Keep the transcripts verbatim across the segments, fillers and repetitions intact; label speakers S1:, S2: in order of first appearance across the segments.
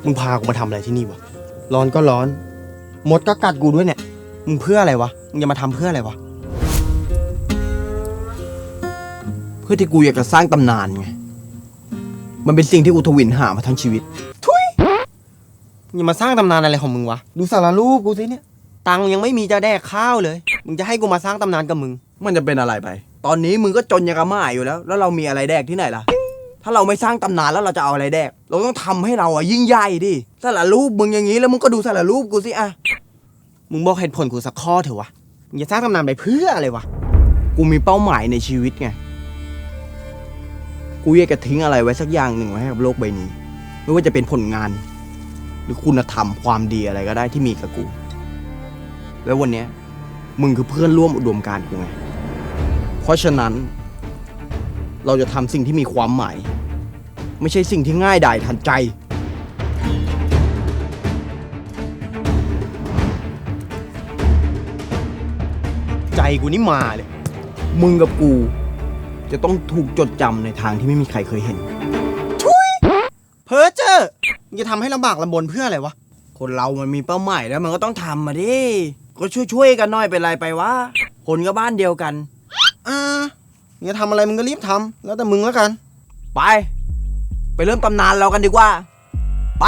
S1: มึงพากูมาทำอะไรที่นี่วะร้อนก็ร้อนมดก็กัดกูด้วยเนี่ยมึงเพื่ออะไรวะมึงจะมาทำเพื่ออะไรวะ
S2: เพื่อที่กูอยากจะสร้างตำนานไงมันเป็นสิ่งที่กูทวินหามาทั้งชีวิต
S1: ทุยมึงจะมาสร้างตำนานอะไรของมึงวะดูสารรูปกูสิเนี่ยตังยังไม่มีจะแดกข้าวเลยมึงจะให้กูมาสร้างตำนานกับมึง
S2: มันจะเป็นอะไรไปตอนนี้มึงก็จนยังกระหม่ายอยู่แล้วแล้วเรามีอะไรแดกที่ไหนล่ะถ้าเราไม่สร้างตำนานแล้วเราจะเอาอะไรแดกเราต้องทำให้เราอะยิ่งใหญ่ดิสารรูปมึงอย่างนี้แล้วมึงก็ดูสารรูปกูสิอะ
S1: มึงบอกเหตุผลกูสักข้อเถอะวะมึงจะสร้างตำนานไปเพื่ออะไรวะ
S2: กูมีเป้าหมายในชีวิตไงกูอยากจะทิ้งอะไรไว้สักอย่างหนึ่งไว้ให้กับโลกใบนี้ไม่ว่าจะเป็นผลงานหรือคุณธรรมความดีอะไรก็ได้ที่มีกับกูแล้ววันนี้มึงคือเพื่อนร่วมอุดมการณ์กูไงเพราะฉะนั้นเราจะทำสิ่งที่มีความหมายไม่ใช่สิ่งที่ง่ายดายทันใจ
S1: ใจกูนี่มาเลย
S2: มึงกับกูจะต้องถูกจดจำในทางที่ไม่มีใครเคยเห็น
S1: ทุยเพ้อเจ้อมึงจะทำให้ลำบากลำบนเพื่ออะไรวะ
S2: คนเรามันมีเป้าหมายแล้วมันก็ต้องทำมาดิก็ช่วยๆกันหน่อยเป็นไรไปวะคนก็บ้านเดียวกัน
S1: อ่ามึงจะทำอะไรมึงก็รีบทำแล้วแต่มึงแล้วกัน
S2: ไปไปเริ่มตำนานเรากันดีกว่าไป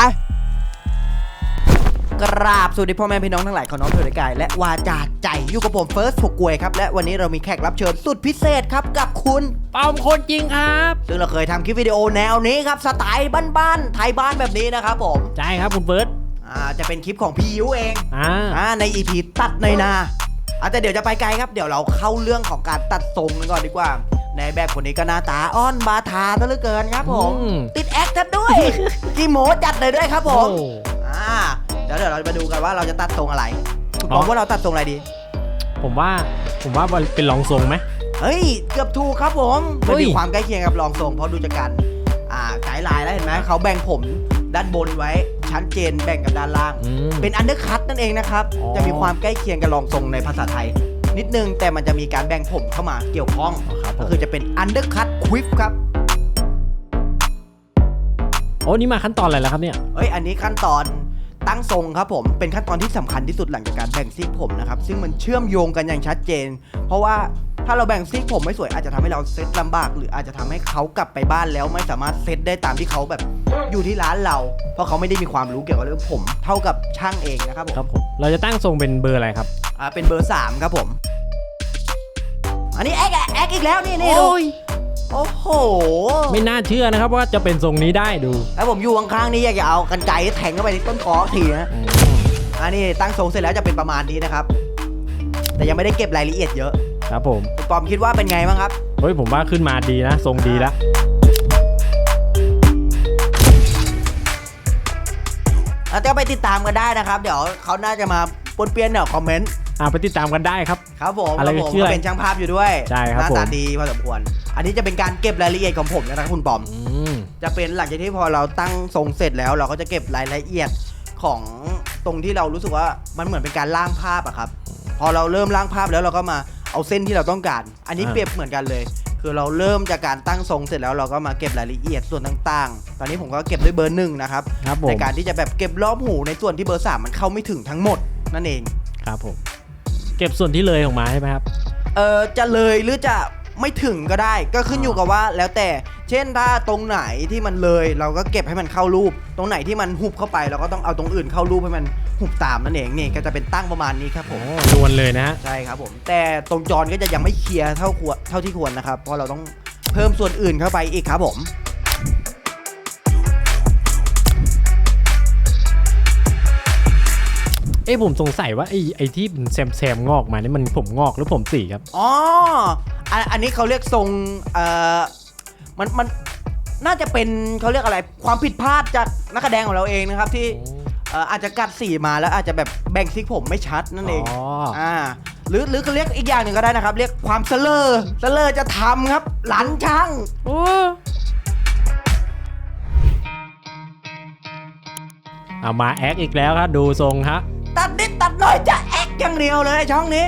S3: กราบสวัสดีพ่อแม่พี่น้องทั้งหลายของน้องเธอในกายและวาจาใจอยู่กับผมเฟิร์สถูกกวยครับและวันนี้เรามีแขกรับเชิญสุดพิเศษครับกับคุณ
S4: เป่าคนจริงครับ
S3: ซึ่งเราเคยทำคลิปวิดีโอแนวนี้ครับสไตล์บ้านๆไทยบ้านแบบนี้นะครับผม
S4: ใช่ครับคุณเฟิร์ส
S3: อ่าจะเป็นคลิปของพี่ยูเอง
S4: อ่า
S3: อ่าใน อี พี ตัดในนาอ่าแต่เดี๋ยวจะไปไกลครับเดี๋ยวเราเข้าเรื่องของการตัดทรงกันก่อนดีกว่าในแบบคนนี้ก็หน้าตาอ้อนบาทาซะเหลือเกินครับผมติดแอคทัดด้วยกี่โมจัดเลยด้วยครับผมอ่าเดี๋ยวเดี๋ยวเรามาดูกันว่าเราจะตัดทรงอะไรคุณบอกว่าเราตัดทรงอะไรดี
S4: ผมว่าผมว่าเป็นรองทรงไหม
S3: เฮ้ยเกือบถูกครับผมมันมีความใกล้เคียงกับรองทรงเพราะดูจากการอ่าไกด์ไลน์แล้วเห็นไหมเขาแบ่งผมด้านบนไว้ชัดเจนแบ่งกับด้านล่างเป็นอันเดอร์คัตนั่นเองนะครับจะมีความใกล้เคียงกับรองทรงในภาษาไทยนิดนึงแต่มันจะมีการแบ่งผมเข้ามาเกี่ยวข้องก็คือจะเป็นอันเดอร์คัตควิฟครับ
S4: โอ้นี่มาขั้นตอนอะไรแล้วครับเนี่ย
S3: เอ้ยอันนี้ขั้นตอนตั้งทรงครับผมเป็นขั้นตอนที่สำคัญที่สุดหลังจากการแบ่งซีกผมนะครับซึ่งมันเชื่อมโยงกันอย่างชัดเจนเพราะว่าถ้าเราแบ่งซีกผมไม่สวยอาจจะทำให้เราเซตลำบากหรืออาจจะทำให้เขากลับไปบ้านแล้วไม่สามารถเซตได้ตามที่เขาแบบอยู่ที่ร้านเราเพราะเขาไม่ได้มีความรู้เกี่ยวกับเรื่องผมเท่ากับช่างเองนะครับผม
S4: ครับผมเราจะตั้งทรงเป็นเบอร์อะไรครับ
S3: อ่าเป็นเบอร์สามครับผมอันนี้แอ๊กแอ๊กอีกแล้วนี่นี่ดูโอ้โห
S4: ไม่น่าเชื่อนะครับว่าจะเป็นทรงนี้ได้ดู
S3: แล้วผมอยู่ข้างๆนี้อยากจะเอากรรไกรแทงเข้าไปที่ต้นคอทีนะอันนี้ตั้งทรงเสร็จแล้วจะเป็นประมาณนี้นะครับแต่ยังไม่ได้เก็บรายละเอียดเยอะ
S4: ครับผม
S3: ปอมคิดว่าเป็นไงบ้างครับ
S4: เฮ้ยผมว่าขึ้นมาดีนะทรงดีแล้ว
S3: แล้วก็ไปติดตามกันได้นะครับเดี๋ยวเขาน่าจะมาปนเปี้ยนเดี๋ยวคอมเมนต์
S4: อ่าไปติดตามกันได้ครับ
S3: ครับผมอะไรผมก็เป็นช่างภาพอยู่ด้วย
S4: ใช่ครับ
S3: หน้าตาดีพอสมควรอันนี้จะเป็นการเก็บรายละเอียดของผมนะครับคุณปอมจะเป็นหลังจากที่พอเราตั้งทรงเสร็จแล้วเราก็จะเก็บรายละเอียดของตรงที่เรารู้สึกว่ามันเหมือนเป็นการล่างภาพอะครับพอเราเริ่มล่างภาพแล้วเราก็มาเอาเส้นที่เราต้องการอันนี้เปรียบเหมือนกันเลยคือเราเริ่มจากการตั้งทรงเสร็จแล้วเราก็มาเก็บรายละเอียดส่วนต่างๆตอนนี้ผมก็เก็บด้วยเบอร์หนึ่งนะครับในการที่จะแบบเก็บรอบหูในส่วนที่เบอร์สามมันเข้าไม่ถึงทั้งหมดนั่นเอง
S4: ครับผมเก็บส่วนที่เลยออกมาใช่ไหมครับ
S3: เออจะเลยหรือจะไม่ถึงก็ได้ก็ขึ้นอยู่กับว่าแล้วแต่เช่นถ้าตรงไหนที่มันเลยเราก็เก็บให้มันเข้ารูปตรงไหนที่มันหุบเข้าไปเราก็ต้องเอาตรงอื่นเข้ารูปให้มันหุบตามนั่นเองนี่ก็จะเป็นตั้งประมาณนี้ครับผม
S4: นวลเลยนะฮะ
S3: ใช่ครับผมแต่ตรงจรก็จะยังไม่เคลียร์เท่าควรเท่าที่ควรนะครับเพราะเราต้องเพิ่มส่วนอื่นเข้าไปอีกครับผม
S4: เอ้ผมสงสัยว่าไอ้ไอ้ที่แซมแซมงอกมานี่มันผมงอกหรือผมสีครับ
S3: อ๋ออันนี้เขาเรียกทรงเอ่อมันมันน่าจะเป็นเขาเรียกอะไรความผิดพลาดจากนักแสดงของเราเองนะครับที่อาจจะกัดสีมาแล้วอาจจะแบบแบ่งซิกผมไม่ชัดนั่นเองอ่าหรือหรือเขาเรียกอีกอย่างหนึ่งก็ได้นะครับเรียกความเสลอเสลอจะทำครับหลันช่างโอ้
S4: เอามาแอคอีกแล้วครับดูทรงฮะ
S3: ตัดนิดตัดหน่อยจะแอคอย่างเดียวเลยช่องนี้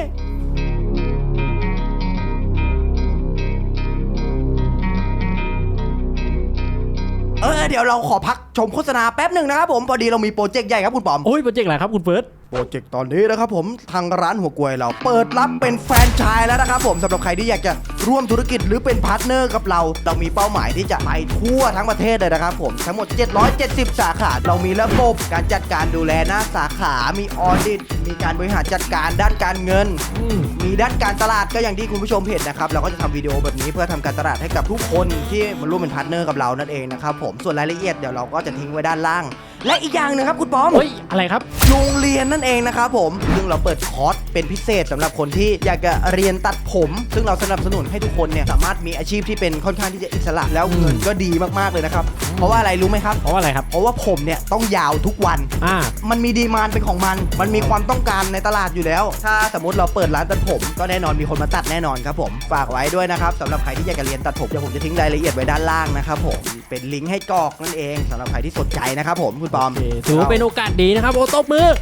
S3: เอออเดี๋ยวเราขอพักชมโฆษณาแป๊บหนึ่งนะครับผมพอดีเรามีโปรเจกต์ใหญ่ครับคุณปอม
S4: โอ้ยโปรเจกต์อะไรครับคุณเฟิร์ส
S3: โปรเจกต์ตอนนี้นะครับผมทางร้านหัวกล้วยเราเปิดรับเป็นแฟรนไชส์แล้วนะครับผมสำหรับใครที่อยากจะร่วมธุรกิจหรือเป็นพาร์ทเนอร์กับเราเรามีเป้าหมายที่จะไปทั่วทั้งประเทศเลยนะครับผมทั้งหมดเจ็ดร้อยเจ็ดสิบสาขาเรามีระบบการจัดการดูแลหน้าสาขามีออดิตมีการบริหารจัดการด้านการเงิน มีด้านการตลาดก็อย่างที่คุณผู้ชมเห็นนะครับเราก็จะทำวิดีโอแบบนี้เพื่อทำการตลาดให้กับทุกคนที่มาร่วมเป็นพาร์ทเนอร์กับเรานั่นเองนะครับผมส่วนรายละเอียดเดี๋ยวเราก็จะทิ้งไว้ด้านล่าง และอีกอย่างหนึงครับคุณปอม
S4: เฮ้ยอะไรครับ
S3: โรงเรียนนั่นเองนะครับผมซึ่งเราเปิดคอร์สเป็นพิเศษสำหรับคนที่อยากจะเรียนตัดผม ซึ่งเราสนับสนุนให้ทุกคนเนี่ยสามารถมีอาชีพที่เป็นค่อนข้างที่จะอิสระแล้วเงินก็ดีมากๆเลยนะครับเพราะว่าอะไรรู้ไหมครับ
S4: เพราะว่าอะไรครับ
S3: เพราะว่าผมเนี่ยต้องยาวทุกวัน
S4: อ่า
S3: มันมีดีมานด์เป็นของมัน มันมีความต้องการในตลาดอยู่แล้ว ถ้าสมมติเราเปิดร้านตัดผม ก็แน่นอนมีคนมาตัดแน่นอนครับผม ฝากไว้ด้วยนะครับสำหรับใครที่อยากจะเรียนตัดผม เดี๋ยวผมจะทิ้งรายละเอียดไว้ด้านล่างนะครับผม เป็นลิงก์ให้กรอกนั่นเองสำหรับใครที่สนใจนะครับผมคุณปอม
S4: โอเคถือว่าเป็นโอกาสดีนะครับโอ้ตบมือ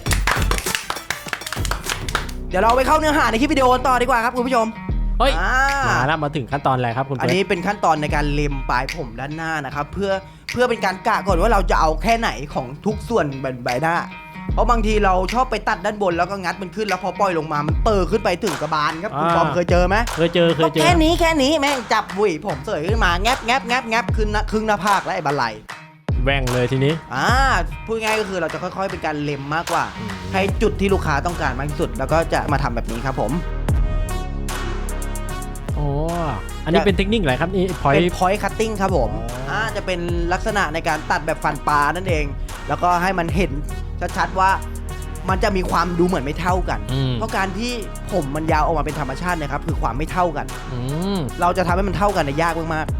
S3: เดี๋ยวเราไปเข้าเนื้อหาในคลิปวิดีโอต่อดีกว่าครับคุณผู้ชม
S4: เฮ้ย
S3: อ่า
S4: มาแล้วมาถึงขั้นตอนอะไรครับคุณ
S3: อัน
S4: เฟิร์ส
S3: นี้เป็นขั้นตอนในการเล็มปลายผมด้านหน้านะครับเพื่อเพื่อเป็นการกะก่อนว่าเราจะเอาแค่ไหนของทุกส่วนบนใบหน้า เพราะบางทีเราชอบไปตัดด้านบนแล้วก็งัดมันขึ้นแล้วพอปล่อยลงมามันเปิดขึ้นไปถึงกระบาลครับคุณปอมเคยเจอไหม
S4: เคยเจอเคยเจอ
S3: แค่นี้แค่นี้แม่งจับบุ๋ยผมเสยขึ้นมาแงบแงบแงบแงบขึ้นนะครึ่งหน้าผากและไอ้บันไล
S4: แว่งเลยทีนี้
S3: อ่าพูดง่ายก็คือเราจะค่อยๆเป็นการเล็มมากกว่า ให้จุดที่ลูกค้าต้องการมากที่สุด แล้วก็จะมาทำแบบนี้ครับผม
S4: โอ้อันนี้เป็นเทคนิคอะไรครับนี่พอย
S3: เป็น point cutting ครับผม
S4: อ๋ออ่
S3: อ่าจะเป็นลักษณะในการตัดแบบฟันปลานั่นเอง แล้วก็ให้มันเห็นชัดๆว่ามันจะมีความดูเหมือนไม่เท่ากัน เพราะการที่ผมมันยาวออกมาเป็นธรรมชาตินะครับคือความไม่เท่ากัน
S4: อืม
S3: เราจะทำให้มันเท่ากันในยากมากๆ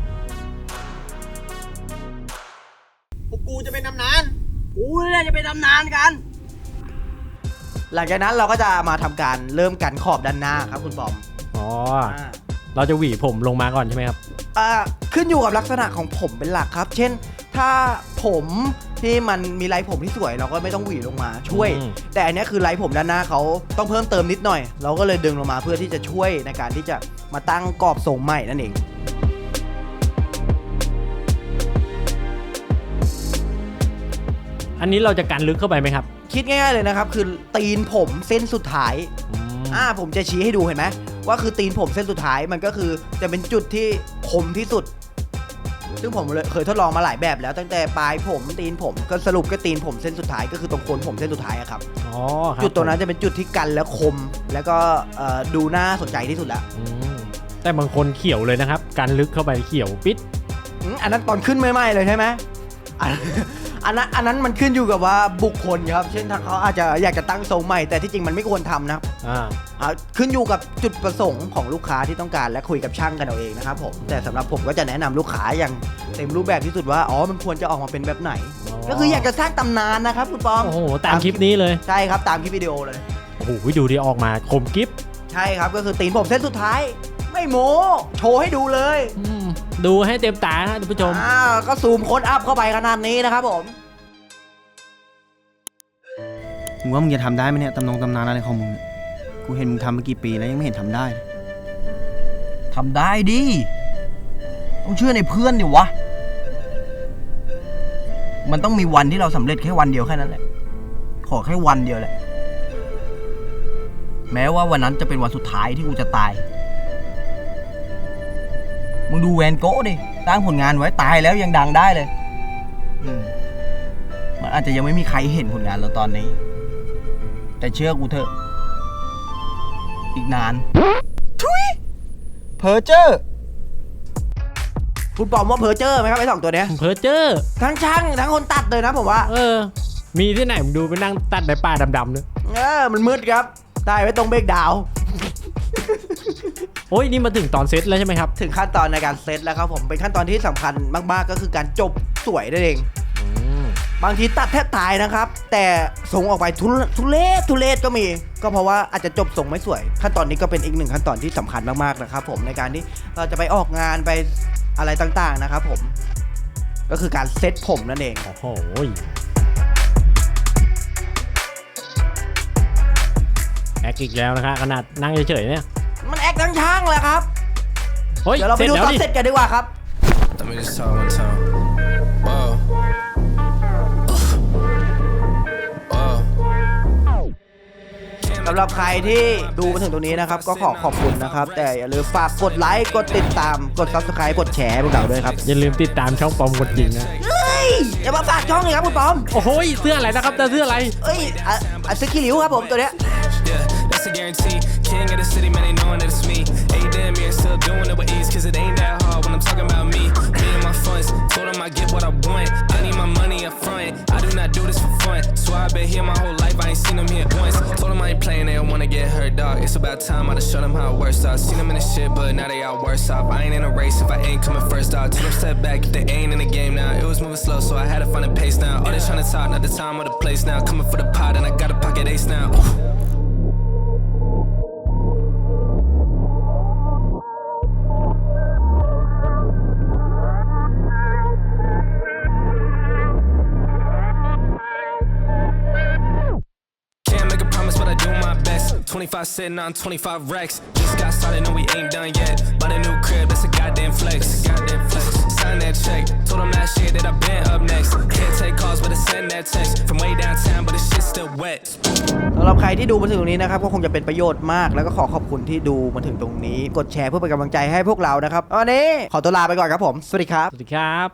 S3: พวกกูจะเป็นตำนานกูเนี่ยจะเป็นตำนานกัน หลังจากนั้นเราก็จะมาทำการเริ่มกันขอบด้านหน้าครับคุณบอม
S4: อ๋อ
S3: อ่า
S4: เราจะหวีผมลงมาก่อนใช่ไหมครับ
S3: อ่าขึ้นอยู่กับลักษณะของผมเป็นหลักครับ เช่น ถ้าผมที่มันมีลายผมที่สวยเราก็ไม่ต้องหวีลงมาช่วย
S4: อืม
S3: แต่อันนี้คือลายผมด้านหน้าเขาต้องเพิ่มเติมนิดหน่อย เราก็เลยดึงลงมาเพื่อที่จะช่วยในการที่จะมาตั้งกรอบทรงใหม่นั่นเอง
S4: อันนี้เราจะกันลึกเข้าไปไหมครับ
S3: คิดง่ายๆเลยนะครับ คือตีนผมเส้นสุดท้าย
S4: อืม
S3: อ่าผมจะชี้ให้ดูเห็นไหมว่าคือตีนผมเส้นสุดท้ายมันก็คือจะเป็นจุดที่คมที่สุด ซึ่งผมเลยเคยทดลองมาหลายแบบแล้วตั้งแต่ปลายผมตีนผมก็สรุปก็ตีนผมเส้นสุดท้ายก็คือตรงโคนผมเส้นสุดท้ายอะครับ
S4: อ๋อครับ
S3: จุดตรงนั้นจะเป็นจุดที่กันและคม แล้วก็เอ่อดูน่าสนใจที่สุดแล้ว
S4: อืมแต่บางคนเขียวเลยนะครับกันลึกเข้าไปเขียวปิด
S3: อืมอันนั้นตอนขึ้นไม่ไหม้เลยใช่ไหมอันอันนั้นอันนั้นมันขึ้นอยู่กับว่าบุคคลครับเช่นทางเขาอาจจะอยากจะตั้งทรงใหม่แต่ที่จริงมันไม่ควรทำนะครับ
S4: อ่า
S3: อ่าขึ้นอยู่กับจุดประสงค์ของลูกค้าที่ต้องการและคุยกับช่างกันเอาเองนะครับผมแต่สำหรับผมก็จะแนะนำลูกค้าอย่างเต็มรูปแบบที่สุดว่าอ๋อมันควรจะออกมาเป็นแบบไหน
S4: อ๋อ
S3: ก็คืออยากจะสร้างตำนานนะครับคุณปอม
S4: โอ้โหตามคลิปนี้เลย
S3: ใช่ครับตามคลิปวิดีโอเลย
S4: โอ้โหดูดีออกมาคมกิฟ
S3: ใช่ครับก็คือตีนผมเส้นสุดท้าย ไม่โม้โชว์ให้ดูเลย
S4: อืมดูให้เต็มตานะท่านผู้ชม
S3: อ่าก็ซูมโค้ดอัพเข้าไปขนาดนี้นะครับผม
S1: มึงว่ามึงจะทำได้ไหมเนี่ยตำนงตำนานอะไรของมึงเนี่ยกูเห็นมึงทำมากี่ปีแล้วยังไม่เห็นทำได้เลย
S2: ทำได้ดิ ต้องเชื่อในเพื่อนดิวะ มันต้องมีวันที่เราสำเร็จแค่วันเดียวแค่นั้นแหละ ขอแค่วันเดียวแหละ แม้ว่าวันนั้นจะเป็นวันสุดท้ายที่กูจะตาย มึงดูแวนโก้ดิสร้างผลงานไว้ตายแล้วยังดังได้เลย อืมมันอาจจะยังไม่มีใครเห็นผลงานเราตอนนี้ แต่เชื่อกูเถอะ อีกนาน
S1: เพอเจอร์
S3: คุณปอมว่าเพอร์เจอร์ไหมครับไอ้สองตัวเนี้ย
S4: เพอเจอร์
S3: ทั้งช่างทั้งคนตัดเลยนะผมว่า
S4: เออ มีที่ไหนผมดูไปนั่งตัดใบป่าดำๆเนี่ย
S3: เออมันมืดครับได้ไว้ตรงเบรกดาวน์
S4: โอ้ยนี่มาถึงตอนเซตแล้วใช่ไหมครับ
S3: ถึงขั้นตอนในการเซตแล้วครับผมเป็นขั้นตอนที่สำคัญมากๆก็คือการจบสวยนั่นเอง
S4: อืม
S3: บางทีตัดแทบตายนะครับ แต่ส่งออกไปทุเรทุเลศทุเลศก็มี ก็เพราะว่าอาจจะจบส่งไม่สวย ขั้นตอนนี้ก็เป็นอีกหนึ่งขั้นตอนที่สำคัญมากๆนะครับผมในการที่เราจะไปออกงานไปอะไรต่างๆนะครับผมก็คือการเซตผมนั่นเอง
S4: โอ้โหแอคอีกแล้วนะครับขนาดนั่งเฉยๆเนี่ย
S3: มันแอคทั้งช่างเลยครับ
S4: เฮ้ย
S3: เดี๋ยวเราไปดูตอน
S4: ดิ
S3: เสร็จกันดีกว่าครับ
S5: Let me just talk one time. Whoa.
S3: สำหรับใครที่ดูมาถึงตรงนี้นะครับก็ขอขอบคุณนะครับแต่อย่าลืมฝากกดไลค์กดติดตามกด ซับสไครบ์ กดแชร์พวกเราด้วยครับ
S4: อย่าลืมติดตามช่องปอมกดจริงนะ
S3: เฮ้ยอย่ามาฝากช่องเลยครับคุณปอม
S4: โอ้โหเสื้ออะไรนะครับแต่เสื้ออะไร
S3: เอ้ยอ่ะอ่ะสกิลิวครับผมตัวเนี้ย
S5: Yeah, that's a guarantee. King of the city, man, they knowing that it's me. Hey, damn, yeah, still doing it with ease, cause it ain't that hard when I'm talking about me. Me and my funds, told them I get what I want. I need my money up front. I do not do this for fun. So I've been here my whole life, I ain't seen them here once. Told them I ain't playing, they don't wanna get hurt, dog. It's about time I done show them how it works out. Seen them in the shit, but now they all worse off. I ain't in a race if I ain't coming first, dog. Told them step back if they ain't in the game now. It was moving slow, so I had to find a pace now. All they trying to talk, not the time or the place now. Coming for the pot, and I got a pocket ace now. twenty-five sitting on twenty-five racks. Just got started, no, we ain't done yet. Bought a new crib, that's a goddamn flex. Goddamn flex. Sign that check. Told them last year that I've been up next. Can't take calls, but I send that text. From way downtown, but the shit's still wet.
S3: สำหรับใครที่ดูมาถึงตรงนี้นะครับก็คงจะเป็นประโยชน์มากแล้วก็ขอขอบคุณที่ดูมาถึงตรงนี้กดแชร์เพื่อเป็นกำลังใจให้พวกเรานะครับวันนี้ขอตัวลาไปก่อนครับผมสวัสดีครับ
S4: สวัสดีครับ